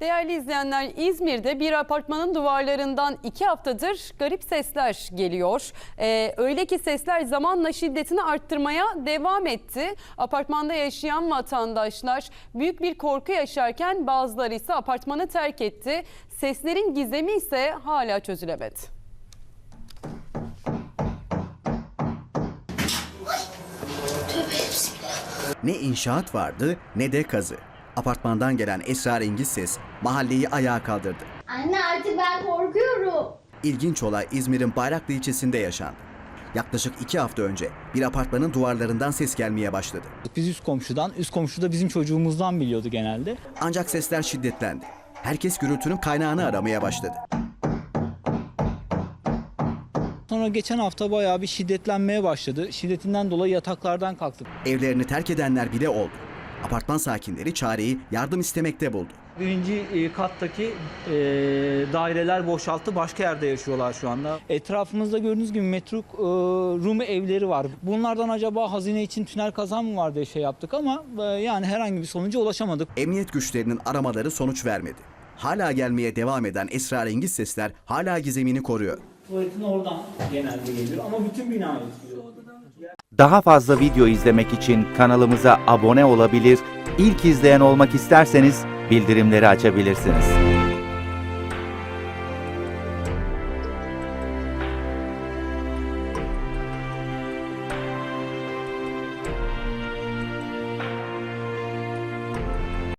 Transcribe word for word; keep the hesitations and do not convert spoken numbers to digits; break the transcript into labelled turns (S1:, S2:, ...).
S1: Değerli izleyenler, İzmir'de bir apartmanın duvarlarından iki haftadır garip sesler geliyor. Ee, öyle ki sesler zamanla şiddetini arttırmaya devam etti. Apartmanda yaşayan vatandaşlar büyük bir korku yaşarken bazıları ise apartmanı terk etti. Seslerin gizemi ise hala çözülemedi.
S2: Ne inşaat vardı ne de kazı. Apartmandan gelen esrarengiz ses mahalleyi ayağa kaldırdı.
S3: Anne artık ben korkuyorum.
S2: İlginç olay İzmir'in Bayraklı ilçesinde yaşandı. Yaklaşık iki hafta önce bir apartmanın duvarlarından ses gelmeye başladı.
S4: Biz üst komşudan, üst komşu da bizim çocuğumuzdan biliyordu genelde.
S2: Ancak sesler şiddetlendi. Herkes gürültünün kaynağını aramaya başladı.
S4: Sonra geçen hafta bayağı bir şiddetlenmeye başladı. Şiddetinden dolayı yataklardan kalktık.
S2: Evlerini terk edenler bile oldu. Apartman sakinleri çareyi yardım istemekte buldu.
S4: Birinci kattaki e, daireler boşalttı. Başka yerde yaşıyorlar şu anda. Etrafımızda gördüğünüz gibi metruk e, Rumi evleri var. Bunlardan acaba hazine için tünel kazan mı var diye şey yaptık ama e, yani herhangi bir sonuca ulaşamadık.
S2: Emniyet güçlerinin aramaları sonuç vermedi. Hala gelmeye devam eden esrarengiz sesler hala gizemini koruyor.
S4: Tuvaletin oradan genelde geliyor ama bütün bina etkiliyor.
S5: Daha fazla video izlemek için kanalımıza abone olabilir, ilk izleyen olmak isterseniz bildirimleri açabilirsiniz.